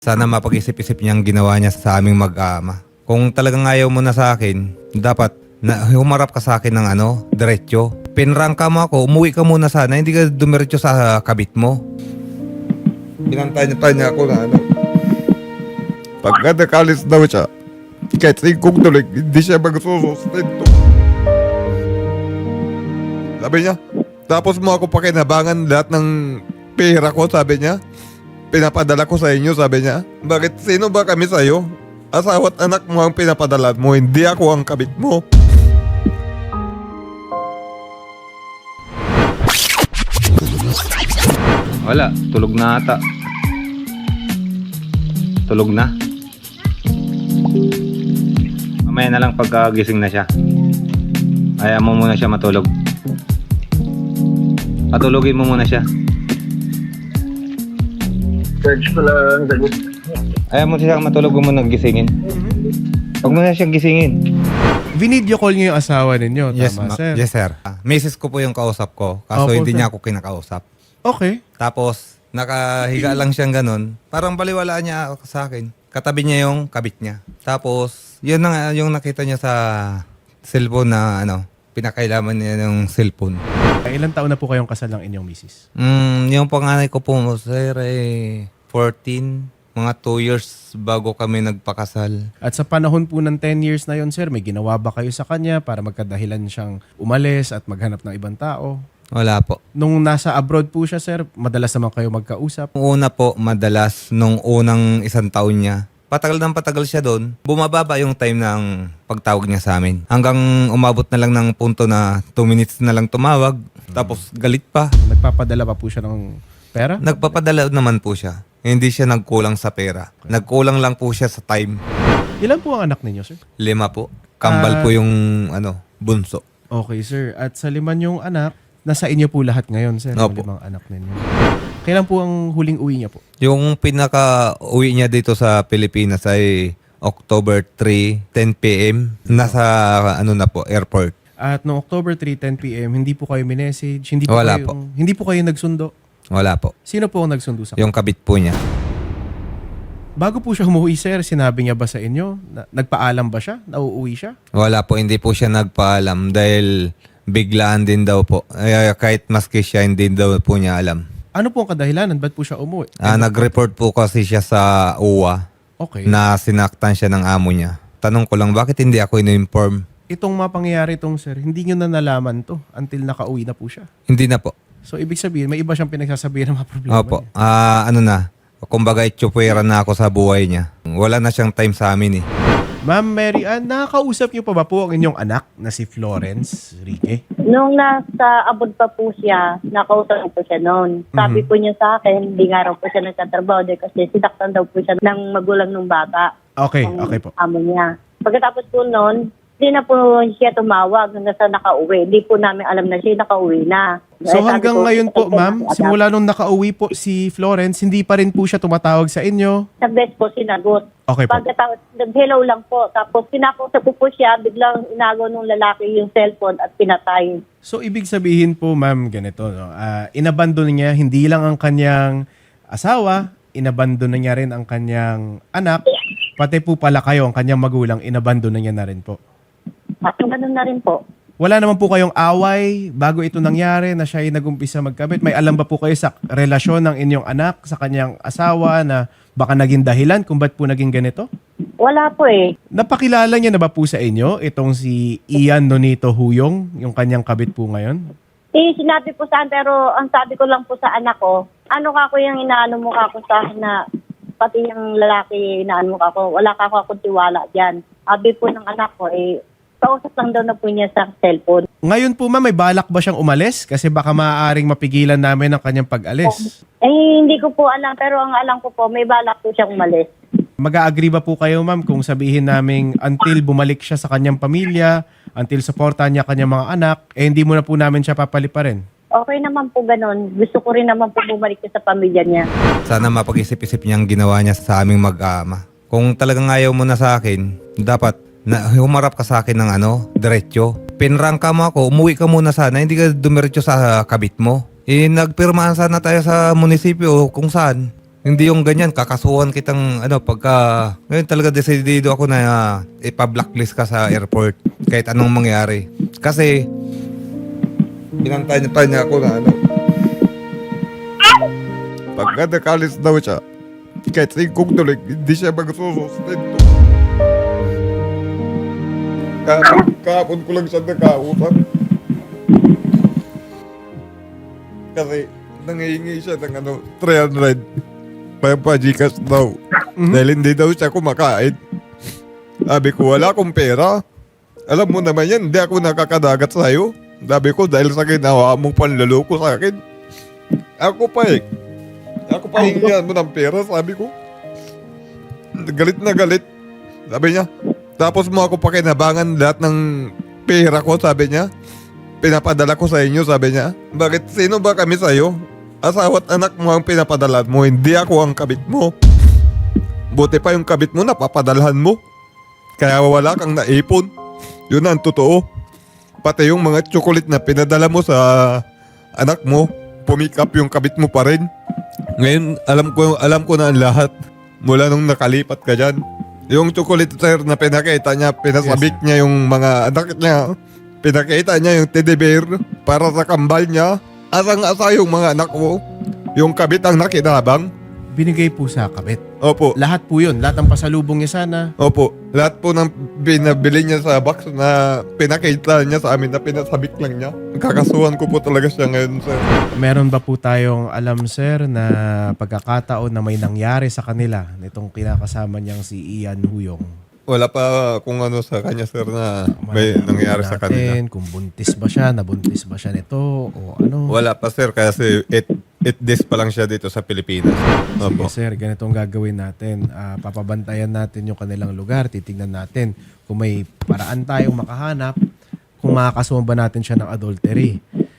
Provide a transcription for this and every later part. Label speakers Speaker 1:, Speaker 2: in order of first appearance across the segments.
Speaker 1: Sana mapag-isip-isip niyang ginawa niya sa aming mag-ama. Kung talagang ayaw mo na sa akin, dapat na humarap ka sa akin ng diretso. Pinrangka mo ako, umuwi ka muna sana, hindi ka dumiretso sa kabit mo. Binantay niya ako na pagka nakalis daw siya, kahit singkong tulig, hindi siya magsusustento. Sabi niya, tapos mo ako pakinabangan lahat ng pera ko, sabi niya. Pinapadala ko sa inyo, sabi niya. Bakit sino ba kami sa'yo? Asawa't anak mo ang pinapadala mo, hindi ako ang kabit mo. Wala, tulog na ata. Tulog na. Mamaya na lang pagkagising na siya. Ayaw mo muna siya matulog. Patulogin mo muna siya.
Speaker 2: Search ko lang sagot.
Speaker 1: Ayaw mo siya matulog mo nagisingin. Huwag mo na siyang gisingin.
Speaker 3: Video call niyo yung asawa ninyo,
Speaker 1: Yes,
Speaker 3: tama, sir?
Speaker 1: yes, sir. Misis ko po yung kausap ko. Kaso
Speaker 3: Opo,
Speaker 1: hindi
Speaker 3: sir.
Speaker 1: niya ako kinakausap.
Speaker 3: Okay.
Speaker 1: Tapos, nakahiga lang siyang ganun. Parang baliwalaan niya ako sa akin. Katabi niya yung kabit niya. Tapos, yun na nga yung nakita niya sa cellphone na pinakailaman niya ng cellphone.
Speaker 3: Ilan taon na po kayong kasal ng inyong misis?
Speaker 1: Yung panganay ko po, sir, 14. Mga 2 years bago kami nagpakasal.
Speaker 3: At sa panahon po ng 10 years na yon, sir, may ginawa ba kayo sa kanya para magkadahilan siyang umalis at maghanap ng ibang tao?
Speaker 1: Wala po.
Speaker 3: Nung nasa abroad po siya, sir, madalas naman kayo magkausap?
Speaker 1: Una po, madalas, nung unang isang taon niya, patagal siya doon, bumababa yung time ng pagtawag niya sa amin. Hanggang umabot na lang ng punto na 2 minutes na lang tumawag, tapos galit pa.
Speaker 3: Nagpapadala pa po siya ng pera?
Speaker 1: Nagpapadala naman po siya. Hindi siya nagkulang sa pera. Nagkulang lang po siya sa time.
Speaker 3: Ilan po ang anak ninyo, sir?
Speaker 1: 5 po. Kambal po yung bunso.
Speaker 3: Okay, sir. At sa 5 niyong anak, nasa inyo po lahat ngayon, sir, yung
Speaker 1: Opo.
Speaker 3: 5 anak ninyo. Kailan po ang huling uwi niya po?
Speaker 1: Yung pinaka-uwi niya dito sa Pilipinas ay October 3, 10 p.m. Nasa na po, airport.
Speaker 3: At noong October 3, 10 p.m., hindi po kayo minessage, hindi po
Speaker 1: Wala
Speaker 3: kayo,
Speaker 1: po.
Speaker 3: hindi po kayo nagsundo.
Speaker 1: Wala po.
Speaker 3: Sino po ang nagsundo sa kanya?
Speaker 1: Yung kabit po niya.
Speaker 3: Bago po siya umuwi, sir, sinabi niya ba sa inyo? Nagpaalam ba siya? Nauuwi siya?
Speaker 1: Wala po, hindi po siya nagpaalam dahil biglaan din daw po. Kahit maski siya, hindi daw po niya alam.
Speaker 3: Ano po ang kadahilanan? Ba't po siya umuwi?
Speaker 1: Nag-report po kasi siya sa UWA
Speaker 3: Okay.
Speaker 1: na sinaktan siya ng amo niya. Tanong ko lang, bakit hindi ako in-inform?
Speaker 3: Itong mapangyayari itong, sir, hindi niyo na nalaman to until nakauwi na po siya.
Speaker 1: Hindi na po.
Speaker 3: So, ibig sabihin, may iba siyang pinagsasabihin ng mga problema
Speaker 1: Opo.
Speaker 3: niya.
Speaker 1: Kumbaga itsupwera na ako sa buhay niya. Wala na siyang time sa amin eh.
Speaker 3: Ma'am Mary Ann, nakakausap niyo pa ba po ang inyong anak na si Florence Rique?
Speaker 4: Nung nasa abroad pa po siya, nakausap po siya noon. Sabi po niya sa akin, hindi nga raw po siya nagtatrabaho dahil kasi sinaktan daw po siya ng magulang ng bata.
Speaker 3: Okay,
Speaker 4: Ang
Speaker 3: okay po.
Speaker 4: amo niya. Pagkatapos po noon, hindi na po siya tumawag hanggang sa nakauwi. Hindi po namin alam na siya nakauwi na.
Speaker 3: So
Speaker 4: Sabi
Speaker 3: hanggang
Speaker 4: ko,
Speaker 3: ngayon po,
Speaker 4: "Ito na
Speaker 3: ma'am,
Speaker 4: si Adak."
Speaker 3: simula nung nakauwi po si Florence, hindi pa rin po siya tumatawag sa inyo?
Speaker 4: Sa best po sinagot.
Speaker 3: Okay po.
Speaker 4: Pagkatapos, nag-hello lang po. Tapos pinakusap po siya, biglang inagaw ng lalaki yung cellphone at pinatay.
Speaker 3: So ibig sabihin po, ma'am, ganito, no? Inabandon niya hindi lang ang kanyang asawa, inabandon na niya rin ang kanyang anak, pati po pala kayo, ang kanyang magulang, inabandon na niya na rin po.
Speaker 4: At ganun na rin po.
Speaker 3: Wala naman po kayong away bago ito nangyari na siya ay nag-umpisa magkabit. May alam ba po kayo sa relasyon ng inyong anak sa kanyang asawa na baka naging dahilan kung ba't po naging ganito?
Speaker 4: Wala po eh.
Speaker 3: Napakilala niya na ba po sa inyo itong si Ian Nonito Huyong, yung kanyang kabit po ngayon?
Speaker 4: Sinabi po saan, pero ang sabi ko lang po sa anak ko, ano ka ko yung inaano mo ka ko sa akin na pati yung lalaki inaano mo ka ko, wala ka ko akong tiwala dyan. Sabi po ng anak ko, kausap lang daw na po niya sa cellphone.
Speaker 3: Ngayon po ma'am, may balak ba siyang umalis? Kasi baka maaaring mapigilan namin ang kanyang pag-alis.
Speaker 4: Hindi ko po alam, pero ang alam ko po, may balak po siyang umalis.
Speaker 3: Mag-a-agree ba po kayo ma'am kung sabihin naming until bumalik siya sa kanyang pamilya, until supportahan niya kanyang mga anak, hindi mo na po namin siya papaliparin?
Speaker 4: Okay naman po ganun. Gusto ko rin naman po bumalik siya sa pamilya niya.
Speaker 1: Sana mapag-isip-isip niyang ginawa niya sa aming mag-ama. Kung talagang ayaw mo na sa akin, dapat humarap ka sa akin ng diretso. Pinrangka mo ako, umuwi ka muna sana, hindi ka dumiretso sa kabit mo. Nagpirmahan sana tayo sa munisipyo kung saan. Hindi yung ganyan, kakasuhan kitang pagka ngayon talaga desidido ako na ipa-blacklist ka sa airport kahit anong mangyari. Kasi pinantay niya ako na pagka nakalis daw siya, kahit 5 tulig, hindi siya magsusustento. Kahapon ko lang siya nakausap. Kasi nangihingi siya ng 300 pa Gcash daw. Dahil hindi daw siya kumakain. Sabi ko, wala akong pera. Alam mo naman yan, hindi ako nakakadagat sa'yo. Sabi ko, dahil sa ginawa mong panlaloko sa akin. Ako pa hingihan mo ng pera, sabi ko. Galit na galit. Sabi niya, tapos mo ako pakinabangan lahat ng pera ko, sabi niya. Pinapadala ko sa inyo, sabi niya. Bakit sino ba kami sa'yo? Asawa at anak mo ang pinapadala mo, hindi ako ang kabit mo. Buti pa yung kabit mo napapadalhan mo. Kaya wala kang naipon. Yun ang totoo. Pati yung mga chocolate na pinadala mo sa anak mo, pumick up yung kabit mo pa rin. Ngayon, alam ko na ang lahat mula nung nakalipat ka dyan. Yung chocolate sir na pinakita niya, pinasabik niya yung mga anak niya. Pinakita niya yung teddy bear para sa kambal niya. Asang-asa yung mga anak mo. Yung kabit ang nakinabang.
Speaker 3: Binigay po sa kabit.
Speaker 1: Opo.
Speaker 3: Lahat po yun. Lahat ng pasalubong niya sana.
Speaker 1: Opo. Lahat po ng binabili niya sa box na pinakita niya sa amin na pinasabik lang niya. Kakasuhan ko po talaga siya ngayon, sir.
Speaker 3: Meron ba po tayong alam, sir, na pagkakataon na may nangyari sa kanila nitong kinakasama niyang si Ian Huyong?
Speaker 1: Wala pa kung ano sa kanya, sir, na may nangyari sa kanila.
Speaker 3: Kung buntis ba siya, nabuntis ba siya nito, o ano?
Speaker 1: Wala pa, sir, kasi 8 days pa lang siya dito sa Pilipinas.
Speaker 3: Sige,
Speaker 1: Opo.
Speaker 3: sir, ganito ang gagawin natin. Papabantayan natin yung kanilang lugar. Titignan natin kung may paraan tayong makahanap kung makakasuhan ba natin siya ng adultery.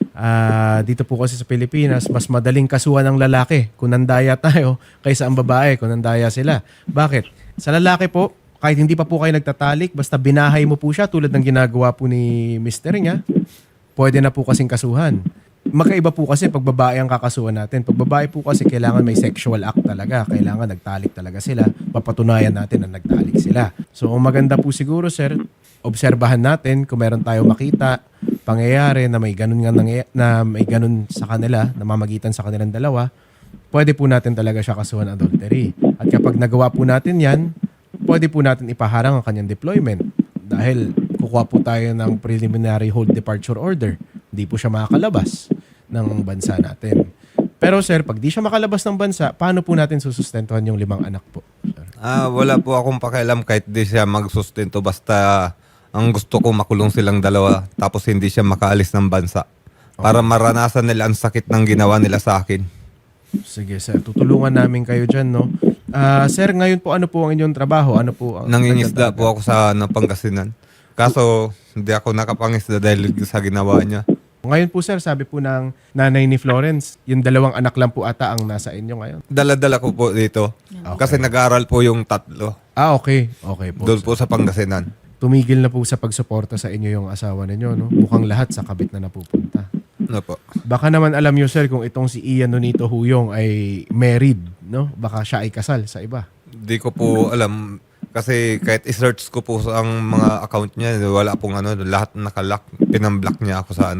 Speaker 3: Dito po kasi sa Pilipinas, mas madaling kasuhan ng lalaki kung nandaya tayo kaysa ang babae kung nandaya sila. Bakit? Sa lalaki po, kahit hindi pa po kayo nagtatalik, basta binahay mo po siya tulad ng ginagawa po ni mister niya, pwede na po kasing kasuhan. Magkaiba po kasi pag babae ang kakasuhan natin. Pag babae po kasi kailangan may sexual act talaga. Kailangan nagtalik talaga sila. Papatunayan natin na nagtalik sila. So ang maganda po siguro, sir, obserbahan natin kung meron tayo makita pangyayari na may ganun na may ganun sa kanila, na mamagitan sa kanilang dalawa, pwede po natin talaga siya kasuhan adultery. At kapag nagawa po natin yan, pwede po natin ipaharang ang kanyang deployment dahil kukuha po tayo ng preliminary hold departure order. Hindi po siya makakalabas ng bansa natin. Pero sir, pag di siya makalabas ng bansa, paano po natin susustentuhan yung 5 anak po? Sir?
Speaker 1: Wala po akong pakialam kahit di siya magsustento. Basta ang gusto ko makulong silang dalawa tapos hindi siya makaalis ng bansa. Para maranasan nila ang sakit ng ginawa nila sa akin.
Speaker 3: Sige sir, tutulungan namin kayo dyan, no? Sir, ngayon po ano po ang inyong trabaho? Ano po ang
Speaker 1: Nangingisda po ako sa Pangasinan. Kaso hindi ako nakapangisda dahil sa ginawa niya.
Speaker 3: Ngayon po sir, sabi po ng nanay ni Florence, yung 2 anak lang po ata ang nasa inyo ngayon.
Speaker 1: Dala-dala ko po dito.
Speaker 3: Okay.
Speaker 1: Kasi nag-aaral po yung 3.
Speaker 3: Okay. Okay po.
Speaker 1: Doon po sa Pangasinan.
Speaker 3: Tumigil na po sa pagsuporta sa inyo yung asawa ninyo, no? Mukhang lahat sa kabit na napupunta.
Speaker 1: Ano po?
Speaker 3: Baka naman alam nyo sir kung itong si Ian Nonito Huyong ay married, no? Baka siya ay kasal sa iba.
Speaker 1: Di ko po alam. Kasi kahit i-search ko po sa ang mga account niya, wala pong lahat nakalock. Pinamblock niya ako sa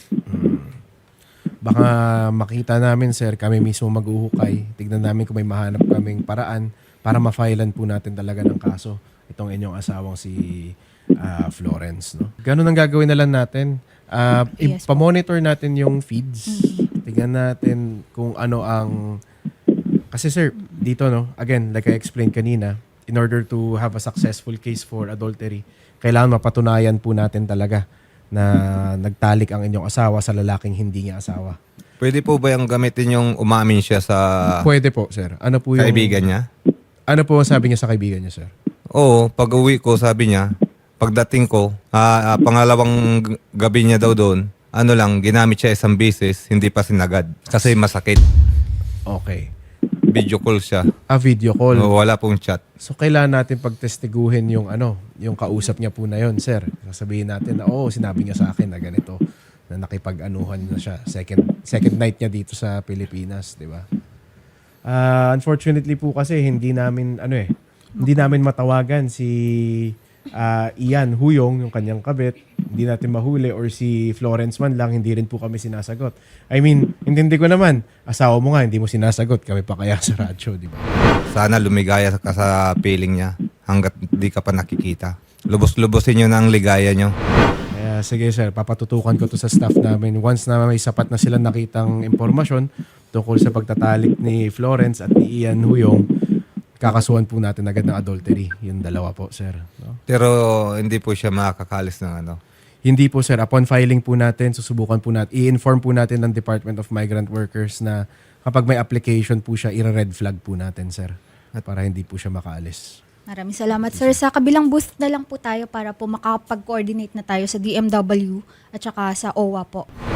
Speaker 3: Baka makita namin sir, kami mismo mag-uhukay. Tignan namin kung may mahanap kaming paraan para ma-filean po natin talaga ng kaso itong inyong asawang si Florence, no? Ganun ang gagawin na lang natin.
Speaker 5: Yes po.
Speaker 3: Ipamonitor natin yung feeds. Tignan natin kung ano ang... Kasi sir, dito, no? Again, like I explained kanina, in order to have a successful case for adultery, kailangan mapatunayan po natin talaga na nagtalik ang inyong asawa sa lalaking hindi niya asawa.
Speaker 1: Pwede po ba yung gamitin yung umamin siya sa
Speaker 3: Pwede po, sir. Ano po yung...
Speaker 1: kaibigan niya?
Speaker 3: Ano po ang sabi niya sa kaibigan niya, sir?
Speaker 1: Oo, pag-uwi ko, sabi niya, pagdating ko, pangalawang gabi niya daw doon, ginamit siya isang beses, hindi pa sinagad. Kasi masakit.
Speaker 3: Okay.
Speaker 1: Video call siya.
Speaker 3: Video call.
Speaker 1: Wala pong chat.
Speaker 3: So, kailangan natin pagtestiguhin yung yung kausap niya po na yon, sir. Sasabihin natin na, sinabi niya sa akin na ganito, na nakipag-anuhan na siya. Second night niya dito sa Pilipinas, di ba? Unfortunately po kasi hindi namin matawagan si Ian Huyong, yung kanyang kabit. Hindi natin mahuli, or si Florence man lang, hindi rin po kami sinasagot. I mean, intindi ko naman, asawa mo nga, hindi mo sinasagot, kami pa kaya sa radyo, di ba?
Speaker 1: Sana lumigaya ka sa feeling niya hanggat di ka pa nakikita. Lubos-lubosin nyo na ang ligaya nyo.
Speaker 3: Kaya sige sir, papatutukan ko to sa staff namin. Once na may sapat na silang nakitang impormasyon tungkol sa pagtatalik ni Florence at ni Ian Huyong, kakasuhan po natin agad ng adultery. Yung dalawa po, sir. No?
Speaker 1: Pero hindi po siya makakakalis ng ano.
Speaker 3: Hindi po, sir. Upon filing po natin, susubukan po natin, i-inform po natin ng Department of Migrant Workers na kapag may application po siya, i-red flag po natin, sir. Para hindi po siya makaalis.
Speaker 5: Maraming salamat, sir. Sa kabilang booth na lang po tayo para po makapag-coordinate na tayo sa DMW at saka sa OWA po.